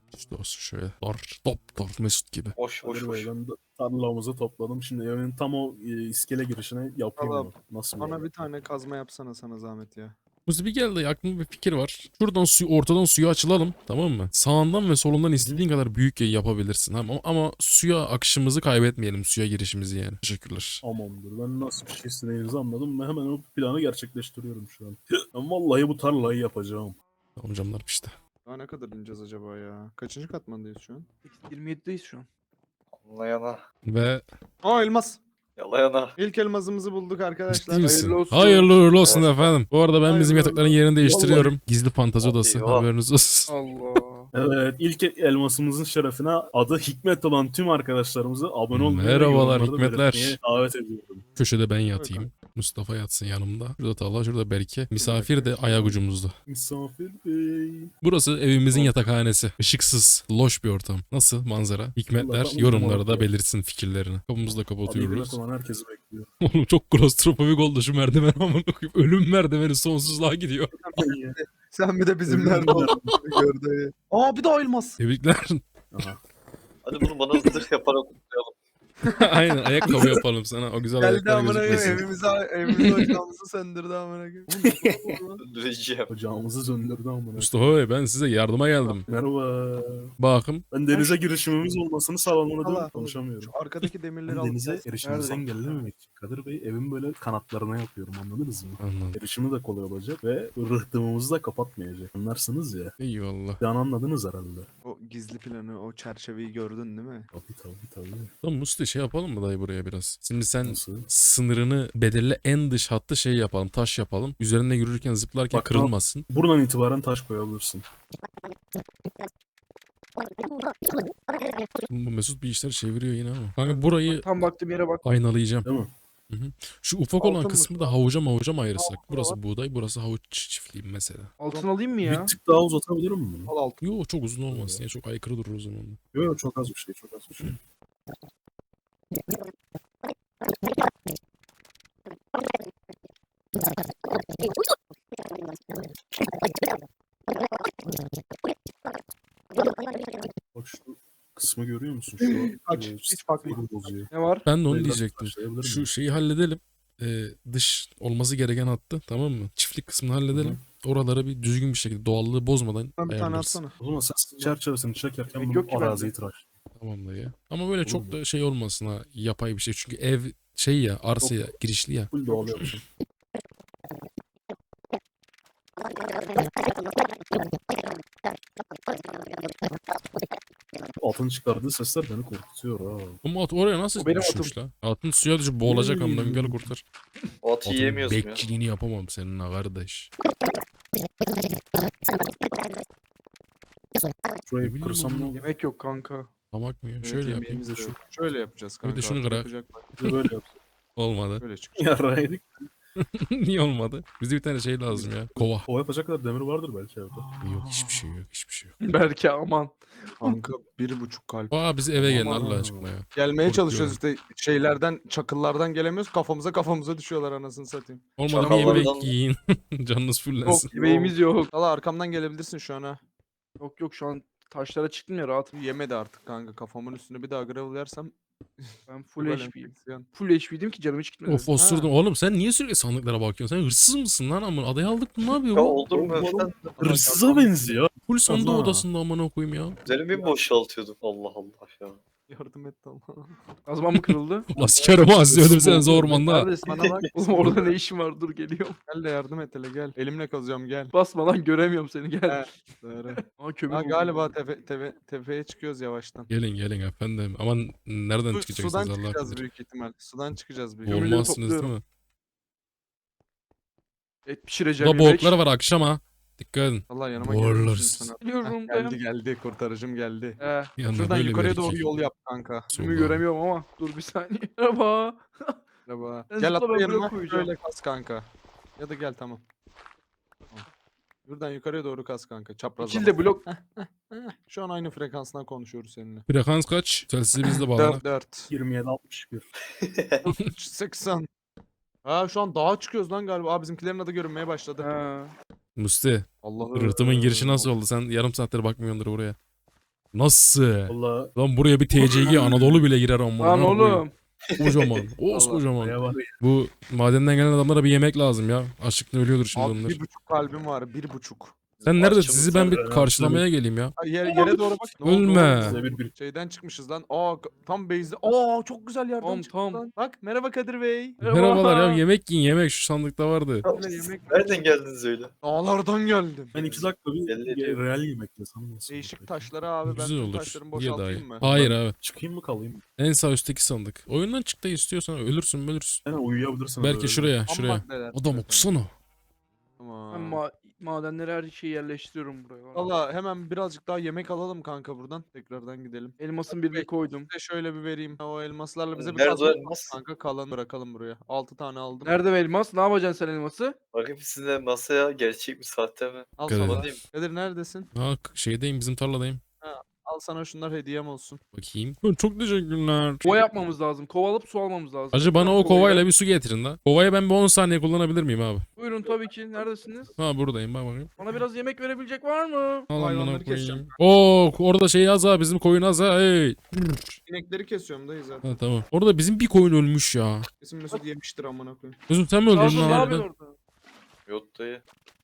[SPEAKER 2] İşte olsun şöyle. Dar Mesut gibi.
[SPEAKER 6] Boş boş
[SPEAKER 4] Kadir
[SPEAKER 6] boş.
[SPEAKER 4] Bey, ben de tarlamızı topladım. Şimdi evin tam o iskele girişine yapayım
[SPEAKER 3] Valla
[SPEAKER 4] mı? Nasıl
[SPEAKER 3] Bana
[SPEAKER 4] olur?
[SPEAKER 3] bir tane kazma yapsana sana zahmet ya.
[SPEAKER 2] Musti bir geldi, aklımda bir fikir var. Şuradan ortadan suyu açılalım, tamam mı? Sağından ve solundan istediğin kadar büyük yayı yapabilirsin. Ama suya akışımızı kaybetmeyelim, suya girişimizi yani. Teşekkürler.
[SPEAKER 4] Tamamdır. Ben nasıl bir şey istediğinizi anladım. Ben hemen o planı gerçekleştiriyorum şu an. Ben vallahi bu tarlayı yapacağım.
[SPEAKER 2] Tamam canlar işte.
[SPEAKER 3] Daha ne kadar ineceğiz acaba ya? Kaçıncı katmandayız şu an?
[SPEAKER 5] 27'deyiz şu an.
[SPEAKER 6] Anlayana.
[SPEAKER 2] Ve
[SPEAKER 3] Aa elmas.
[SPEAKER 6] Yalayana.
[SPEAKER 3] İlk elmasımızı bulduk arkadaşlar.
[SPEAKER 2] ciddi misin?
[SPEAKER 5] hayırlı olsun.
[SPEAKER 2] Hayırlı uğurlu olsun
[SPEAKER 6] Evet.
[SPEAKER 2] efendim. Bu arada ben bizim
[SPEAKER 3] Hayırlı
[SPEAKER 2] yatakların
[SPEAKER 3] olsun.
[SPEAKER 2] yerini değiştiriyorum. Gizli fantazi odası,
[SPEAKER 6] Eyvah.
[SPEAKER 2] haberiniz olsun.
[SPEAKER 5] Allah.
[SPEAKER 4] Evet, ilk elmasımızın şerefine adı Hikmet olan tüm arkadaşlarımızı abone olmayı ve
[SPEAKER 2] Merhabalar,
[SPEAKER 4] yorumlarda
[SPEAKER 2] Hikmetler.
[SPEAKER 4] belirtmeye davet ediyorum.
[SPEAKER 2] Köşede ben yatayım. Mustafa yatsın yanımda. Şurada Talha, şurada Berke. Misafir de ayak ucumuzda.
[SPEAKER 4] Misafir bey.
[SPEAKER 2] Burası evimizin yatakhanesi. Işıksız, loş bir ortam. Nasıl manzara? Hikmetler
[SPEAKER 4] Vallahi
[SPEAKER 2] yorumlarda
[SPEAKER 4] tamam.
[SPEAKER 2] belirtsin fikirlerini. Kapımızı da
[SPEAKER 4] Abi
[SPEAKER 2] kapatıyoruz.
[SPEAKER 4] Hikmet olan herkesi bekliyor.
[SPEAKER 2] Oğlum çok klostrofobik oldu şu merdiven, amına koyayım. Ölüm merdiveni sonsuzluğa gidiyor.
[SPEAKER 3] Sen bir de bizimlerle gördü. Aa bir daha elmas.
[SPEAKER 2] Tebrikler.
[SPEAKER 4] Aha.
[SPEAKER 6] Hadi bunu bana zırh yaparak kutlayalım.
[SPEAKER 2] Aynen, ayakkabı yapalım sana. O güzel
[SPEAKER 3] Geldi
[SPEAKER 2] ayaklar
[SPEAKER 3] amına koyayım
[SPEAKER 2] gözükmesin.
[SPEAKER 3] evimizi ocağımızı söndürdü amına koyayım.
[SPEAKER 6] Öldüreceğim.
[SPEAKER 4] Ocağımızı söndürdü amına.
[SPEAKER 2] Mustafa Bey, ben size yardıma geldim.
[SPEAKER 4] Merhaba.
[SPEAKER 2] Bakın.
[SPEAKER 4] Ben denize girişimimiz olmasını sağlamadım.
[SPEAKER 3] Allah.
[SPEAKER 4] Konuşamıyorum.
[SPEAKER 3] Şu arkadaki demirleri
[SPEAKER 4] Ben
[SPEAKER 3] alıp
[SPEAKER 4] denize
[SPEAKER 3] gel.
[SPEAKER 4] erişimimizi
[SPEAKER 3] Nerede?
[SPEAKER 4] engellememek için Kadir Bey evin böyle kanatlarına yapıyorum, anladınız mı?
[SPEAKER 2] Anladım.
[SPEAKER 4] Erişimi de kolay olacak ve rıhtımımızı da kapatmayacak. Anlarsınız ya.
[SPEAKER 2] Eyvallah.
[SPEAKER 4] Yani anladınız herhalde.
[SPEAKER 3] O gizli planı, o çerçeveyi gördün değil mi?
[SPEAKER 4] Tabii.
[SPEAKER 2] Tamam Musti, şey yapalım mı dayı buraya biraz? Şimdi sen
[SPEAKER 4] Nasıl?
[SPEAKER 2] sınırını belirle, en dış hattı şey yapalım, taş yapalım. Üzerinde yürürken, zıplarken
[SPEAKER 4] Bak,
[SPEAKER 2] kırılmasın.
[SPEAKER 4] Buradan itibaren taş koyabilirsin.
[SPEAKER 2] Bu Mesut bir işler çeviriyor yine ama. Kanka burayı
[SPEAKER 5] Tam baktığım yere bak.
[SPEAKER 2] aynalayacağım.
[SPEAKER 4] Değil mi?
[SPEAKER 2] Şu ufak olan
[SPEAKER 5] Altın
[SPEAKER 2] kısmı
[SPEAKER 5] mı?
[SPEAKER 2] da havuca mı ayırsak?
[SPEAKER 5] Altın
[SPEAKER 2] Burası
[SPEAKER 5] var.
[SPEAKER 2] buğday, burası havuç çiftliği mesela.
[SPEAKER 5] Altın alayım mı ya?
[SPEAKER 4] Bir tık daha uzatabilirim mi bunu?
[SPEAKER 3] Al altı.
[SPEAKER 2] Yo, çok uzun olmasın ya, çok aykırı durur o zaman.
[SPEAKER 4] Yok çok az bir şey, çok az bir şey. Bak şu kısmı görüyor musun? Şu
[SPEAKER 3] Aç, hiç bakma.
[SPEAKER 4] sinir bozuyor.
[SPEAKER 5] Ne var?
[SPEAKER 2] Ben de onu
[SPEAKER 4] Biraz
[SPEAKER 2] diyecektim.
[SPEAKER 4] başlayabilir
[SPEAKER 2] Şu
[SPEAKER 4] miyim?
[SPEAKER 2] şeyi halledelim. Dış olması gereken hattı, tamam mı? Çiftlik kısmını halledelim. Oralara bir düzgün bir şekilde, doğallığı bozmadan
[SPEAKER 3] Bana bir tane
[SPEAKER 2] ayarlarız.
[SPEAKER 3] atsana.
[SPEAKER 4] O zaman sen çerçevesini çekerken
[SPEAKER 5] Yok
[SPEAKER 4] bunu
[SPEAKER 5] ki bende.
[SPEAKER 4] araziyi tıraş.
[SPEAKER 2] Tamam dayı. Ama böyle çok
[SPEAKER 4] mu?
[SPEAKER 2] da şey olmasın ha, yapay bir şey. Çünkü ev şey ya, arsa ya, girişli ya.
[SPEAKER 4] Full doğal yapsın. Altın çıkardığı sesler beni korkutuyor ha.
[SPEAKER 2] Ama at oraya nasıl
[SPEAKER 5] O benim
[SPEAKER 2] düşmüş la? Atın suya düşüp boğulacak amına, gel kurtar.
[SPEAKER 6] O atı
[SPEAKER 2] Atın
[SPEAKER 6] yiyemiyorsun ya.
[SPEAKER 2] bekçiliğini yapamam seninle kardeş.
[SPEAKER 4] Şurayı
[SPEAKER 2] bileyim
[SPEAKER 4] kırsam ne
[SPEAKER 2] oğlum.
[SPEAKER 4] olur?
[SPEAKER 5] Yemek yok kanka.
[SPEAKER 2] Tamak mı?
[SPEAKER 3] Evet,
[SPEAKER 2] Şöyle yapayım.
[SPEAKER 3] yemeğimiz de yok. Şöyle yapacağız kanka.
[SPEAKER 2] Bir de şunu kırak.
[SPEAKER 3] Yapacak bak.
[SPEAKER 4] Bir de böyle yapsın.
[SPEAKER 2] Olmadı.
[SPEAKER 3] Böyle çıkacak.
[SPEAKER 4] Yarraydık.
[SPEAKER 2] Niye olmadı? Bize bir tane şey lazım ya. Kova.
[SPEAKER 4] O yapacak kadar demir vardır belki evde.
[SPEAKER 2] Yok, hiçbir şey yok, hiçbir şey yok.
[SPEAKER 5] Belki aman.
[SPEAKER 3] Kanka 1,5 kalp.
[SPEAKER 2] Aa, bizi eve gelin
[SPEAKER 3] Aman
[SPEAKER 2] Allah
[SPEAKER 3] ha.
[SPEAKER 2] aşkına ya.
[SPEAKER 3] Gelmeye
[SPEAKER 2] Korkuyorum.
[SPEAKER 3] çalışıyoruz işte şeylerden, çakıllardan gelemiyoruz. Kafamıza düşüyorlar anasını satayım.
[SPEAKER 2] Olmadı bir
[SPEAKER 6] Çakallardan-
[SPEAKER 2] yemek yiyin. Canınız fullensin.
[SPEAKER 5] Yok yemeğimiz yok.
[SPEAKER 3] Valla arkamdan gelebilirsin şu an ha.
[SPEAKER 5] Yok şu an taşlara çıktım ya rahat.
[SPEAKER 3] Yemedi artık kanka. Kafamın üstüne bir daha gravel yersem.
[SPEAKER 5] Ben full
[SPEAKER 3] böyle
[SPEAKER 5] HP'yim.
[SPEAKER 3] enfeksiyon.
[SPEAKER 5] Full HP'ydim ki canım hiç gitmedi.
[SPEAKER 2] Of, osurdum. Oğlum sen niye sürekli sandıklara bakıyorsun? Sen hırsız mısın lan amına? Adayı aldık mı, ne yapıyor
[SPEAKER 6] Ya
[SPEAKER 2] bu?
[SPEAKER 6] olur mu öften?
[SPEAKER 4] Hırsıza benziyor.
[SPEAKER 2] Full sandık
[SPEAKER 4] Allah.
[SPEAKER 2] odasında amına koyayım ya.
[SPEAKER 6] Üzerimi boşaltıyordum. Allah Allah ya.
[SPEAKER 3] Yardım et Allah.
[SPEAKER 5] Kazmam mı kırıldı?
[SPEAKER 2] Ulan sikerim ha, sizi öldürseniz ormanda.
[SPEAKER 5] Neredesin?
[SPEAKER 3] Bana bak.
[SPEAKER 5] Oğlum orada ne işin var? Dur geliyorum.
[SPEAKER 3] Gel de yardım et hele gel. Elimle kazacağım gel.
[SPEAKER 5] Basma lan göremiyorum seni gel.
[SPEAKER 3] Doğru.
[SPEAKER 5] Aa kömür
[SPEAKER 3] Ha,
[SPEAKER 5] buldum.
[SPEAKER 3] galiba tepeye çıkıyoruz yavaştan.
[SPEAKER 2] Gelin efendim. Aman nereden
[SPEAKER 3] Sudan
[SPEAKER 2] çıkacaksınız Allah
[SPEAKER 3] çıkacağız
[SPEAKER 2] bilir.
[SPEAKER 3] büyük ihtimal. Sudan çıkacağız büyük ihtimal.
[SPEAKER 5] Kömürleri
[SPEAKER 2] Olmazsınız değil mi?
[SPEAKER 5] Et pişireceğim
[SPEAKER 2] Burada
[SPEAKER 5] yemek.
[SPEAKER 2] boğuklar var akşama. Dikkat edin.
[SPEAKER 3] Allah yanıma
[SPEAKER 2] Boğuluruz.
[SPEAKER 3] geliyorsun sana.
[SPEAKER 5] Biliyorum
[SPEAKER 3] Geldi kurtarıcım geldi.
[SPEAKER 2] Yanına
[SPEAKER 3] Şuradan
[SPEAKER 2] böyle bir
[SPEAKER 3] yukarıya doğru
[SPEAKER 2] erkek.
[SPEAKER 3] yol yap kanka.
[SPEAKER 5] Önümü
[SPEAKER 2] Solda.
[SPEAKER 5] göremiyorum ama dur bir saniye. Merhaba.
[SPEAKER 3] Merhaba.
[SPEAKER 5] Ben
[SPEAKER 3] Gel
[SPEAKER 5] zıpla,
[SPEAKER 3] atla
[SPEAKER 5] ben
[SPEAKER 3] yanıma.
[SPEAKER 5] blok koyacağım.
[SPEAKER 3] Şöyle kas kanka. Ya da gel tamam. Tamam. Buradan yukarıya doğru kas kanka. Çapraz.
[SPEAKER 5] İkili de blok.
[SPEAKER 3] Şu an aynı frekansdan konuşuyoruz seninle.
[SPEAKER 2] Frekans kaç? Telsizi bizde bağlana.
[SPEAKER 3] 4.
[SPEAKER 4] 27-61.
[SPEAKER 3] 80. Ha şu an dağa çıkıyoruz lan galiba. Aa bizimkilerin adı görünmeye başladı.
[SPEAKER 5] Ha.
[SPEAKER 2] Musti,
[SPEAKER 3] Allah'ım.
[SPEAKER 2] rıhtımın girişi nasıl oldu? Sen yarım saattir bakmıyordur buraya. Nasıl?
[SPEAKER 4] Valla
[SPEAKER 2] Lan buraya bir TCG Anadolu bile girer ama.
[SPEAKER 5] Lan oğlum.
[SPEAKER 2] Kocaman. Kocaman.
[SPEAKER 4] bayağı var ya.
[SPEAKER 2] Bu madenden gelen adamlara bir yemek lazım ya. Açlıktan ölüyordur şimdi
[SPEAKER 3] Abi
[SPEAKER 2] onlar.
[SPEAKER 3] 1,5 kalbim var 1,5.
[SPEAKER 2] Sen nerede?
[SPEAKER 6] Başçımız
[SPEAKER 2] Sizi ben bir
[SPEAKER 4] nerede?
[SPEAKER 2] karşılamaya geleyim ya.
[SPEAKER 3] Yere doğru bak. Ne oldu
[SPEAKER 2] Ölme.
[SPEAKER 3] oğlum?
[SPEAKER 4] Size bir
[SPEAKER 3] Şeyden çıkmışız lan. Tam base'de. Aa çok güzel yerden
[SPEAKER 5] Tam,
[SPEAKER 3] çıktık
[SPEAKER 5] tam.
[SPEAKER 3] lan. Bak merhaba Kadir Bey.
[SPEAKER 2] Merhabalar ya, yemek yiyin, yemek şu sandıkta vardı.
[SPEAKER 3] Öyle yemek.
[SPEAKER 6] Nereden geldiniz öyle?
[SPEAKER 3] Dağlardan geldim.
[SPEAKER 4] ben 2 dakika
[SPEAKER 6] Belli
[SPEAKER 4] bir
[SPEAKER 6] ediyor.
[SPEAKER 4] real yemek yesem nasıl
[SPEAKER 3] Değişik
[SPEAKER 4] olur?
[SPEAKER 3] taşları abi ben
[SPEAKER 2] Güzel
[SPEAKER 3] tüm
[SPEAKER 2] olur.
[SPEAKER 3] taşlarımı
[SPEAKER 2] Ye daha iyi.
[SPEAKER 3] boşaltayım mı?
[SPEAKER 2] Hayır abi.
[SPEAKER 4] Çıkayım mı kalayım mı?
[SPEAKER 2] En sağ üstteki sandık. Oyundan çık da istiyorsan ölürsün.
[SPEAKER 4] Yani uyuyabilirsin.
[SPEAKER 2] Belki
[SPEAKER 4] öyle.
[SPEAKER 2] şuraya,
[SPEAKER 3] Ham
[SPEAKER 2] şuraya.
[SPEAKER 3] maddeler.
[SPEAKER 2] Adam
[SPEAKER 3] Efendim.
[SPEAKER 2] okusana.
[SPEAKER 3] Tamam.
[SPEAKER 5] Ben madenleri her şeyi yerleştiriyorum buraya.
[SPEAKER 3] Valla hemen birazcık daha yemek alalım kanka buradan. Tekrardan gidelim.
[SPEAKER 5] Elmasın birini koydum.
[SPEAKER 3] Bir de şöyle bir vereyim. O elmaslarla bize bir
[SPEAKER 6] Nerede o
[SPEAKER 3] kazma yapalım
[SPEAKER 6] elmas?
[SPEAKER 3] kanka. Kalanı bırakalım buraya. 6 tane aldım.
[SPEAKER 5] Nerede elmas? Ne yapacaksın sen elması?
[SPEAKER 6] Bakayım sizinle masaya gerçek mi sahte mi?
[SPEAKER 3] Al
[SPEAKER 2] Kadir.
[SPEAKER 3] sana.
[SPEAKER 6] Alayım.
[SPEAKER 3] Kadir neredesin?
[SPEAKER 2] Ha şeydeyim, bizim tarladayım.
[SPEAKER 3] Al sana şunlar hediyem olsun.
[SPEAKER 2] Bakayım. Çok teşekkürler.
[SPEAKER 5] Kova yapmamız lazım. Kova alıp su almamız lazım.
[SPEAKER 2] Acı bana o
[SPEAKER 5] Kovayla.
[SPEAKER 2] kovayla bir su getirin la. Kovayı ben bir 10 saniye kullanabilir miyim abi?
[SPEAKER 5] Buyurun tabii ki. Neredesiniz?
[SPEAKER 2] Ha buradayım, bak bakayım.
[SPEAKER 5] Bana biraz yemek verebilecek var mı?
[SPEAKER 2] Al
[SPEAKER 3] Hayvanları
[SPEAKER 2] amına
[SPEAKER 3] keseceğim.
[SPEAKER 2] koyayım. Oo orada şey az ha, bizim koyun az ha. Hey.
[SPEAKER 3] İnekleri kesiyorum dayı zaten.
[SPEAKER 2] Ha tamam. Orada bizim bir koyun ölmüş ya.
[SPEAKER 3] Kesin Mesut yemiştir amına koyayım.
[SPEAKER 2] Gözüm sen mi öldürdün
[SPEAKER 5] Lazım ne
[SPEAKER 2] lan?
[SPEAKER 5] yapıyorsun orada?
[SPEAKER 6] Yok dayı.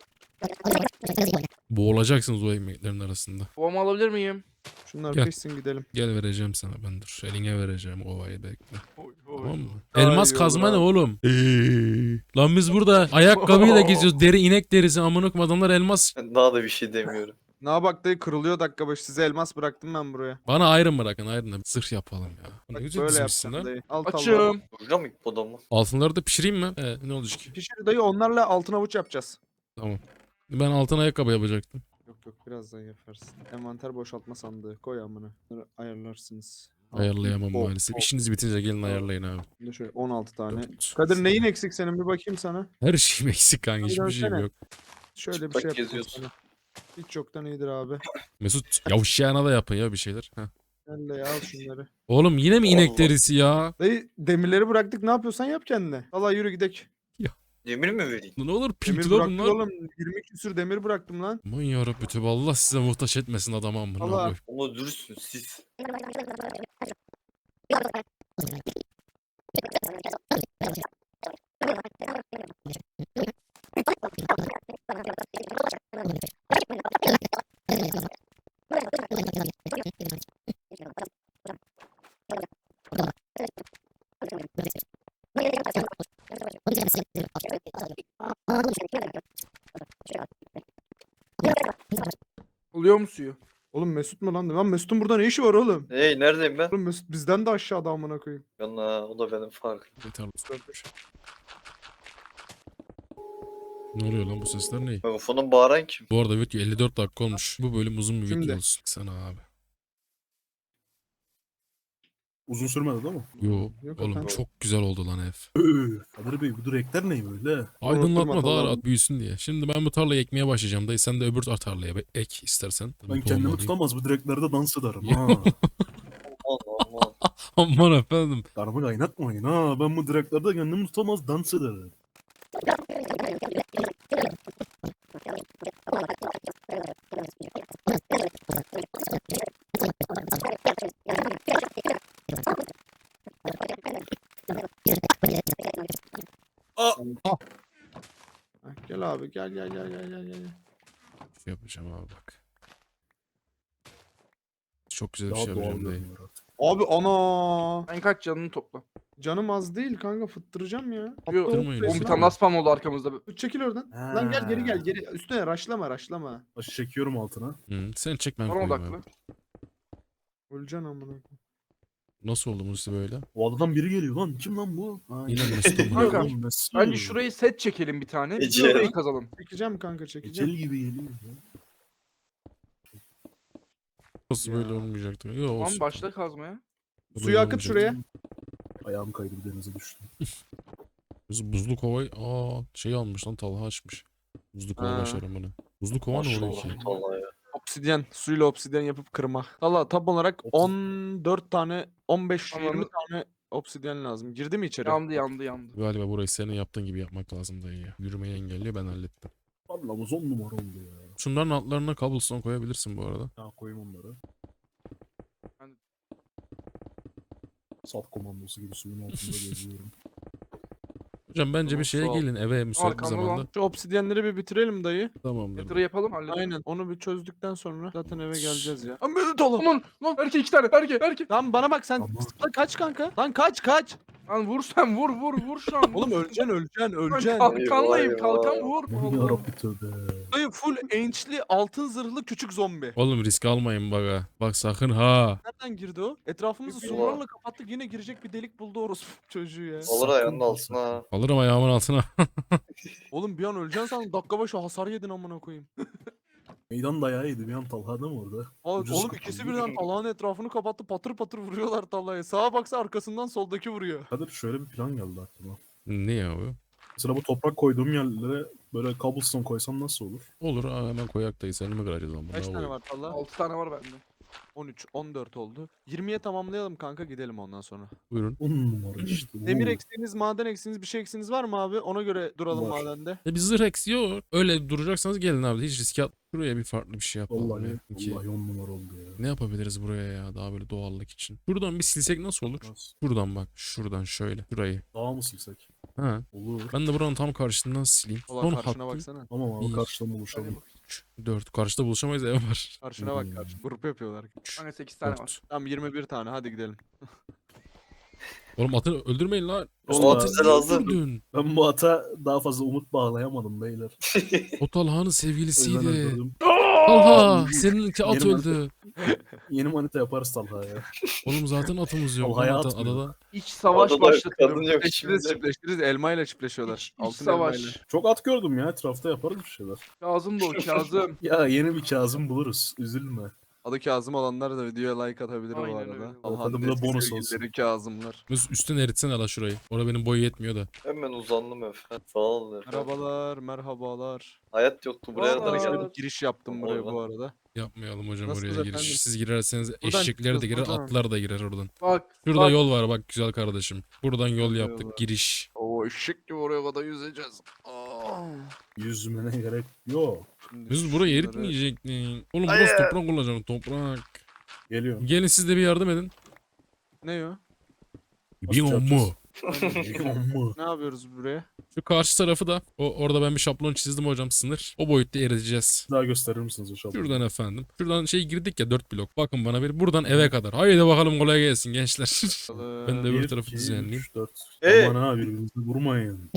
[SPEAKER 2] Boğulacaksınız o ekmeklerin arasında.
[SPEAKER 5] Kovamı alabilir miyim?
[SPEAKER 3] Şunlar
[SPEAKER 2] Gel.
[SPEAKER 3] pişsin gidelim.
[SPEAKER 2] Gel vereceğim sana ben, dur. Eline vereceğim kovayı, bekle. Tamam mı?
[SPEAKER 3] Daha
[SPEAKER 2] Elmas
[SPEAKER 3] iyi
[SPEAKER 2] kazma
[SPEAKER 3] olur
[SPEAKER 2] ne
[SPEAKER 3] abi.
[SPEAKER 2] oğlum? Lan biz burada ayakkabıyla geziyoruz. Deri inek derisi amına koyayım, adamlar elmas.
[SPEAKER 6] Ben daha da bir şey demiyorum.
[SPEAKER 3] Ne bak dayı kırılıyor dakika başı. Size elmas bıraktım ben buraya.
[SPEAKER 2] Bana ayrım bırakın, ayrım da zırh yapalım ya. Ne
[SPEAKER 3] Bak
[SPEAKER 2] güzel
[SPEAKER 3] böyle
[SPEAKER 2] dizmişsin
[SPEAKER 3] yapacağım
[SPEAKER 2] lan.
[SPEAKER 3] dayı. Al tavla.
[SPEAKER 5] Açım.
[SPEAKER 6] Burada mı bu adamı?
[SPEAKER 2] Altınları da pişireyim mi? Ne olacak ki?
[SPEAKER 3] Pişir dayı onlarla altın avuç yapacağız.
[SPEAKER 2] Tamam. Ben altın ayakkabı yapacaktım.
[SPEAKER 3] Yok yok birazdan yaparsın. Envanter boşaltma sandığı koy amına. Bunları ayarlarsınız.
[SPEAKER 2] Ayarlayamam
[SPEAKER 3] Hop,
[SPEAKER 2] maalesef.
[SPEAKER 3] hop.
[SPEAKER 2] İşiniz bitince gelin ayarlayın abi.
[SPEAKER 3] Şimdi şöyle 16 tane.
[SPEAKER 2] Dört.
[SPEAKER 3] Kadir neyin eksik senin bir bakayım sana.
[SPEAKER 2] Her şeyim eksik kanka.
[SPEAKER 3] Bir
[SPEAKER 2] Hiçbir şeyim
[SPEAKER 3] dönsene.
[SPEAKER 2] yok.
[SPEAKER 3] Şöyle bir
[SPEAKER 6] Bak
[SPEAKER 3] şey yapayım
[SPEAKER 6] geziyorsun.
[SPEAKER 3] sana. Hiç yoktan iyidir abi.
[SPEAKER 2] Mesut yavşayana da yapın ya bir şeyler. Heh.
[SPEAKER 3] Gel de al şunları.
[SPEAKER 2] Oğlum yine mi inek
[SPEAKER 6] Allah.
[SPEAKER 2] derisi ya?
[SPEAKER 3] Dayı demirleri bıraktık ne yapıyorsan yap kendine. Valla yürü gidek.
[SPEAKER 6] Demir mi vereyim?
[SPEAKER 2] Ne olur
[SPEAKER 3] Demir
[SPEAKER 2] pinti la
[SPEAKER 3] bıraktık
[SPEAKER 2] bunlar.
[SPEAKER 3] oğlum. 20 küsür demir bıraktım lan.
[SPEAKER 2] Aman yarabbi tövbe, Allah size muhtaç etmesin adamı amına
[SPEAKER 3] Allah.
[SPEAKER 2] koyayım.
[SPEAKER 6] Ama dürüstsün siz.
[SPEAKER 5] Oluyor mu suyu?
[SPEAKER 3] Oğlum Mesut mu lan? Lan Mesut'un burada ne işi var oğlum?
[SPEAKER 6] Hey neredeyim ben?
[SPEAKER 3] Oğlum Mesut bizden de aşağıda amına koyayım.
[SPEAKER 6] Yana o da benim farkım.
[SPEAKER 2] Yeter. Ne oluyor lan, bu sesler ne?
[SPEAKER 6] Megafonun bağıran kim?
[SPEAKER 2] Bu arada video 54 dakika olmuş. Bu bölüm uzun bir
[SPEAKER 3] Şimdi.
[SPEAKER 2] video olsun. Sana abi.
[SPEAKER 4] Uzun sürmedi değil mi?
[SPEAKER 2] Yo
[SPEAKER 3] Yok
[SPEAKER 2] oğlum
[SPEAKER 3] efendim.
[SPEAKER 2] çok güzel oldu lan ev.
[SPEAKER 4] Kadir Bey bu direkler ne böyle?
[SPEAKER 2] Aydınlatma daha
[SPEAKER 3] tamam.
[SPEAKER 2] rahat büyüsün diye. Şimdi ben bu tarlayı ekmeye başlayacağım dayı. Sen de öbür tarlaya ek istersen.
[SPEAKER 4] Ben
[SPEAKER 2] Mutlu
[SPEAKER 4] kendimi
[SPEAKER 2] olmalıyım.
[SPEAKER 4] tutamaz bu direklerde dans ederim
[SPEAKER 2] Ya.
[SPEAKER 4] ha.
[SPEAKER 6] Aman aman.
[SPEAKER 2] Aman efendim.
[SPEAKER 4] Karımı kaynatmayın ha. Ben bu direklerde kendimi tutamaz dans ederim.
[SPEAKER 3] Heh, gel abi gel.
[SPEAKER 2] Şey yapacağım abi bak. Çok güzel bir
[SPEAKER 4] Daha
[SPEAKER 2] şey
[SPEAKER 4] doğal
[SPEAKER 2] yapacağım dayı.
[SPEAKER 4] görünüyor artık.
[SPEAKER 3] Abi ana.
[SPEAKER 5] Ben kaç canını topla.
[SPEAKER 3] Canım az değil kanka fıttıracağım ya.
[SPEAKER 5] Yok.
[SPEAKER 3] Hatta
[SPEAKER 2] Fıttırmayın
[SPEAKER 3] o
[SPEAKER 2] ya.
[SPEAKER 5] Oğlum
[SPEAKER 3] resmen-
[SPEAKER 5] bir tane daha spam oldu arkamızda.
[SPEAKER 3] Çekil oradan. Lan gel geri
[SPEAKER 4] Ha.
[SPEAKER 3] gel. Üstüne raşlama.
[SPEAKER 4] Başı çekiyorum altına.
[SPEAKER 2] Hı, sen çek ben
[SPEAKER 5] Bana
[SPEAKER 2] koyayım
[SPEAKER 5] odaklı.
[SPEAKER 2] abi.
[SPEAKER 3] Öleceksin amına.
[SPEAKER 2] Nasıl oldu Musi böyle?
[SPEAKER 4] O adadan biri geliyor lan. Kim lan bu? Ha,
[SPEAKER 2] Yine Mesut amına
[SPEAKER 5] Kanka,
[SPEAKER 2] koyayım.
[SPEAKER 4] Oğlum, Mesut.
[SPEAKER 5] Bence şurayı set çekelim bir tane.
[SPEAKER 6] Ece.
[SPEAKER 5] Şurayı kazalım.
[SPEAKER 3] Çekeceğim kanka
[SPEAKER 4] Ecel
[SPEAKER 3] çekeceğim.
[SPEAKER 4] gibi geliyor. ya.
[SPEAKER 2] Nasıl böyle olmayacaktı? Yo,
[SPEAKER 5] Tamam
[SPEAKER 2] olsun.
[SPEAKER 5] başla kazmaya.
[SPEAKER 2] Böyle
[SPEAKER 3] Suyu akıt
[SPEAKER 2] olmayacaktı.
[SPEAKER 3] şuraya.
[SPEAKER 4] Ayağım kaydı bir denize düştüm.
[SPEAKER 2] Biz buzlu kovayı şey almış lan, Talha açmış. Buzlu kova
[SPEAKER 3] Ha.
[SPEAKER 2] başarım bunu. Buzlu kova ne oluyor ki?
[SPEAKER 6] Maşallah vallahi ya.
[SPEAKER 3] Obsidyen. Suyla obsidyen yapıp kırma. Valla tam olarak 14 tane 15-20
[SPEAKER 5] Tamam.
[SPEAKER 3] tane obsidyen lazım. Girdi mi içeri?
[SPEAKER 5] Yandı.
[SPEAKER 2] Galiba burayı senin yaptığın gibi yapmak lazım dayı ya. Yürümeyi engelliyor, ben hallettim.
[SPEAKER 4] Valla bu 10 numara oldu ya.
[SPEAKER 2] Şunların altlarına cobblestone koyabilirsin bu arada.
[SPEAKER 4] Ya koyayım onları. Sat komandosu gibi suyun altında geziyorum.
[SPEAKER 2] Hocam bence
[SPEAKER 3] Tamam,
[SPEAKER 2] bir şeye
[SPEAKER 3] sağ ol.
[SPEAKER 2] gelin eve müsait bir
[SPEAKER 5] Arkamda lan.
[SPEAKER 2] zamanda.
[SPEAKER 3] Şu obsidyenleri bir bitirelim dayı.
[SPEAKER 2] Tamamdır.
[SPEAKER 5] Yatırı yapalım halledelim.
[SPEAKER 3] Aynen. Onu bir çözdükten sonra zaten eve geleceğiz ya.
[SPEAKER 5] Aman lan lan Berke 2 tane Berke.
[SPEAKER 3] Tamam bana bak sen
[SPEAKER 4] Tamam.
[SPEAKER 3] zıpla kaç kanka. Lan kaç.
[SPEAKER 5] Lan vur sen vur şu an.
[SPEAKER 3] Oğlum öleceksin.
[SPEAKER 5] Ben kalkanlayım
[SPEAKER 6] Eyvah,
[SPEAKER 5] kalkan
[SPEAKER 6] eyvah.
[SPEAKER 5] vur.
[SPEAKER 4] Aman
[SPEAKER 5] Allah.
[SPEAKER 4] yarabbim tövbe.
[SPEAKER 3] Dayı full ençli altın zırhlı küçük zombi.
[SPEAKER 2] Oğlum risk almayın bak ha. Bak sakın ha.
[SPEAKER 3] Nereden girdi o? Etrafımızı
[SPEAKER 6] Bilmiyorum.
[SPEAKER 3] surlarla kapattık yine girecek bir delik buldu orospu çocuğu ya.
[SPEAKER 6] Olur ayağının altına.
[SPEAKER 2] Alırım ayağımın altına.
[SPEAKER 3] Oğlum bir an öleceksin sandım dakika başı hasar yedin amına koyayım.
[SPEAKER 4] Meydan dayağı yedi bir an Talha değil mi orada? Ucuz
[SPEAKER 3] Oğlum
[SPEAKER 4] kapı.
[SPEAKER 3] ikisi birden Talha'nın etrafını kapattı patır patır vuruyorlar Talha'ya. Sağa baksa arkasından soldaki vuruyor.
[SPEAKER 4] Kadir şöyle bir plan geldi aklıma.
[SPEAKER 2] Ne ya bu?
[SPEAKER 4] Mesela bu toprak koyduğum yerlere böyle cobblestone koysam nasıl olur?
[SPEAKER 2] Olur ha, hemen koyak dayı. Seni mi kıracağız lan?
[SPEAKER 3] Kaç tane var Talha?
[SPEAKER 5] 6 tane var bende.
[SPEAKER 3] 13, 14 oldu. 20'ye tamamlayalım kanka gidelim ondan sonra.
[SPEAKER 2] Buyurun.
[SPEAKER 4] 10 numara işte.
[SPEAKER 3] Demir
[SPEAKER 4] Oo.
[SPEAKER 3] eksiğiniz, maden eksiğiniz, bir şey eksiğiniz var mı abi? Ona göre duralım
[SPEAKER 4] Var.
[SPEAKER 3] madende.
[SPEAKER 2] Bir zırh eksiği yok. Öyle duracaksanız gelin abi. Hiç riske at. Şuraya bir farklı bir şey yapalım.
[SPEAKER 4] Vallahi,
[SPEAKER 2] ya. İki.
[SPEAKER 4] vallahi 10 numara oldu ya.
[SPEAKER 2] Ne yapabiliriz buraya ya? Daha böyle doğallık için. Şuradan bir silsek nasıl olur?
[SPEAKER 4] Nasıl?
[SPEAKER 2] Şuradan bak. Şuradan şöyle. Şurayı.
[SPEAKER 4] Daha mı silsek?
[SPEAKER 2] Ha.
[SPEAKER 4] Olur.
[SPEAKER 2] Ben de buranın tam karşısından sileyim.
[SPEAKER 3] Ulan
[SPEAKER 2] Son
[SPEAKER 3] karşına
[SPEAKER 2] hattı.
[SPEAKER 3] baksana.
[SPEAKER 4] Tamam abi
[SPEAKER 2] Bir.
[SPEAKER 4] karşıdan buluşalım.
[SPEAKER 2] 3, 4. Karşıda buluşamayız ev var.
[SPEAKER 3] Karşına bak karşı. Grup yapıyorlar.
[SPEAKER 2] 3,
[SPEAKER 5] Bende 8 tane var.
[SPEAKER 2] 4.
[SPEAKER 3] Tamam 21 tane hadi gidelim.
[SPEAKER 2] Oğlum atı öldürmeyin lan.
[SPEAKER 6] Oğlum
[SPEAKER 4] Vallahi
[SPEAKER 6] atı bize
[SPEAKER 2] niye
[SPEAKER 6] lazım.
[SPEAKER 2] öldürdün?
[SPEAKER 4] Ben bu ata daha fazla umut bağlayamadım beyler.
[SPEAKER 2] O Talha'nın
[SPEAKER 4] O yüzden
[SPEAKER 2] sevgilisiydi.
[SPEAKER 4] öldürdüm.
[SPEAKER 2] Talha seninki at
[SPEAKER 4] Yerim
[SPEAKER 2] öldü.
[SPEAKER 4] Yeni manita yaparız Talha ya.
[SPEAKER 2] Oğlum zaten atımız yok.
[SPEAKER 4] Talha'ya
[SPEAKER 2] Lan
[SPEAKER 4] atmıyor.
[SPEAKER 2] adada.
[SPEAKER 5] İç savaş
[SPEAKER 6] Adada
[SPEAKER 5] başlatıyorum.
[SPEAKER 6] kadın yok
[SPEAKER 3] Çiftleştiririz
[SPEAKER 6] şimdi.
[SPEAKER 3] çiftleştiririz elmayla çiftleşiyorlar.
[SPEAKER 5] İç
[SPEAKER 3] Altın
[SPEAKER 5] savaş.
[SPEAKER 3] elmayla.
[SPEAKER 4] Çok at gördüm ya etrafta yaparız bir şeyler.
[SPEAKER 5] Kazım da o Kazım.
[SPEAKER 4] Ya yeni bir Kazım buluruz. Üzülme.
[SPEAKER 3] Adı Kazım olanlar da videoya like atabilir bu
[SPEAKER 5] Aynen
[SPEAKER 3] arada.
[SPEAKER 5] öyle.
[SPEAKER 3] Allah'ın
[SPEAKER 4] Hadi bu da
[SPEAKER 3] eski
[SPEAKER 4] bonus
[SPEAKER 3] sevgilileri Kazımlar.
[SPEAKER 2] Mesut üstten eritsene la şurayı. Orada benim boyu yetmiyor da.
[SPEAKER 6] Hemen uzandım efendim. Sağ olun efendim.
[SPEAKER 3] Merhabalar, merhabalar.
[SPEAKER 6] Hayat yoktu buraya
[SPEAKER 5] Aa.
[SPEAKER 6] da
[SPEAKER 3] Şöyle
[SPEAKER 6] geldim.
[SPEAKER 3] bir giriş yaptım buraya bu arada.
[SPEAKER 2] Yapmayalım hocam
[SPEAKER 3] Nasılsınız
[SPEAKER 2] oraya
[SPEAKER 3] efendim?
[SPEAKER 2] giriş. Siz girerseniz
[SPEAKER 3] Buradan
[SPEAKER 2] eşekler de
[SPEAKER 3] çıkıyoruz,
[SPEAKER 2] girer,
[SPEAKER 3] buradan.
[SPEAKER 2] atlar da girer oradan.
[SPEAKER 5] Bak.
[SPEAKER 2] Şurada
[SPEAKER 5] bak.
[SPEAKER 2] yol var bak güzel kardeşim. Buradan yol
[SPEAKER 3] Şurada
[SPEAKER 2] yaptık
[SPEAKER 3] yol var.
[SPEAKER 2] giriş.
[SPEAKER 3] Oo eşek gibi oraya kadar yüzeceğiz. Aa.
[SPEAKER 4] Yüzmene gerek yok.
[SPEAKER 3] Şimdi
[SPEAKER 2] Biz burayı
[SPEAKER 3] şunları-
[SPEAKER 2] eritmeyecektin. Oğlum
[SPEAKER 6] Hayır.
[SPEAKER 2] burası toprak olacak toprak.
[SPEAKER 4] Geliyorum.
[SPEAKER 2] Gelin siz de bir yardım edin.
[SPEAKER 3] Ne o?
[SPEAKER 2] Bir
[SPEAKER 4] yapacağız?
[SPEAKER 2] mu.
[SPEAKER 4] Amma.
[SPEAKER 3] Ne yapıyoruz buraya?
[SPEAKER 2] Şu karşı tarafı da orada ben bir şablon çizdim hocam sınır. O boyutta eriteceğiz.
[SPEAKER 4] Daha gösterir misiniz o şablonu?
[SPEAKER 2] Şuradan efendim. Şuradan şey girdik ya 4 blok. Bakın bana bir buradan eve kadar. Haydi bakalım kolay gelsin gençler. Ben de öbür
[SPEAKER 4] 1,
[SPEAKER 2] tarafı
[SPEAKER 4] 2,
[SPEAKER 2] düzenleyeyim.
[SPEAKER 4] 3, 4.
[SPEAKER 6] Ee?
[SPEAKER 4] Aman ha birbirinizi vurmayın.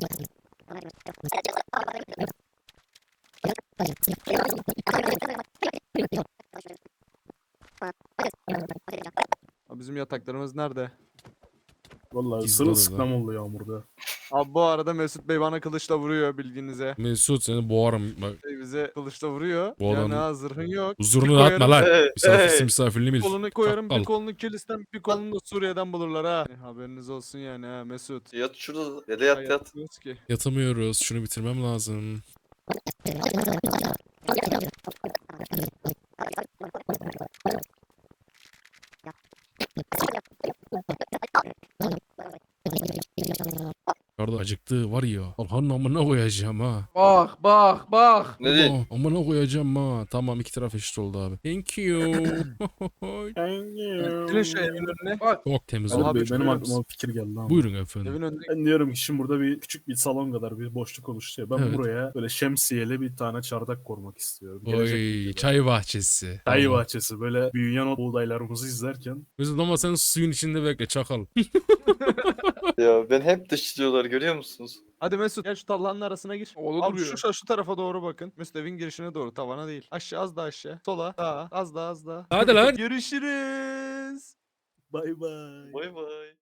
[SPEAKER 3] Abi bizim yataklarımız nerede?
[SPEAKER 4] Vallahi
[SPEAKER 2] Gizli
[SPEAKER 4] sırılsıklam oldu yağmurda.
[SPEAKER 3] Abi bu arada Mesut Bey bana kılıçla vuruyor bilginize.
[SPEAKER 2] Mesut seni boğarım. Bak
[SPEAKER 3] Bize kılıçla vuruyor.
[SPEAKER 2] Bu
[SPEAKER 3] Yani
[SPEAKER 2] adam-
[SPEAKER 3] ha zırhın yok.
[SPEAKER 2] huzurunu
[SPEAKER 3] Bir
[SPEAKER 2] dağıtma lan.
[SPEAKER 6] Hey,
[SPEAKER 2] Misafirsin
[SPEAKER 6] hey.
[SPEAKER 2] misafirliği
[SPEAKER 3] Bir
[SPEAKER 2] mi?
[SPEAKER 3] kolunu koyarım, bir
[SPEAKER 2] Çakal.
[SPEAKER 3] kolunu Kilis'ten, bir kolunu da Suriye'den bulurlar ha. Haberiniz olsun yani ha Mesut.
[SPEAKER 6] Yat şurada. Ya da yat yat.
[SPEAKER 3] Yatmıyoruz ki.
[SPEAKER 2] Yatamıyoruz. Şunu bitirmem lazım. Karda acıktı var ya. Allah'ın amına koyacağım ha.
[SPEAKER 5] Bak.
[SPEAKER 6] Ne diyeyim?
[SPEAKER 2] Allah, amına koyacağım ha. Tamam iki taraf eşit oldu abi. Thank you.
[SPEAKER 3] Gelin şu evin önüne.
[SPEAKER 5] Bak.
[SPEAKER 2] Çok temiz
[SPEAKER 4] Kadir
[SPEAKER 2] oldu.
[SPEAKER 3] Abi,
[SPEAKER 4] Bey, benim
[SPEAKER 3] şöyle
[SPEAKER 4] aklıma bir fikir geldi ama.
[SPEAKER 2] Buyurun efendim.
[SPEAKER 3] Evin önüne.
[SPEAKER 4] Ben diyorum ki şimdi burada bir küçük bir salon kadar bir boşluk oluştu ya. Ben
[SPEAKER 2] Evet.
[SPEAKER 4] buraya böyle şemsiyeli bir tane çardak kurmak istiyorum. Gelecek
[SPEAKER 2] Oy
[SPEAKER 4] videoda.
[SPEAKER 2] çay bahçesi.
[SPEAKER 4] Çay
[SPEAKER 2] Tamam.
[SPEAKER 4] bahçesi böyle büyüyen o buğdaylarımızı izlerken.
[SPEAKER 2] Mesut ama sen suyun içinde bekle çakal.
[SPEAKER 6] Ya ben hep dışlıyorlar görüyor musunuz?
[SPEAKER 3] Hadi Mesut gel şu tallanın arasına gir.
[SPEAKER 5] Orada
[SPEAKER 3] Abi
[SPEAKER 5] duruyor.
[SPEAKER 3] şu tarafa doğru bakın. Mesut evin girişine doğru, tavana değil. Aşağı, az daha aşağı. Sola, sağa, az daha.
[SPEAKER 2] Hadi lan.
[SPEAKER 3] Görüşürüz.
[SPEAKER 4] Bay bay.
[SPEAKER 6] Bay bay.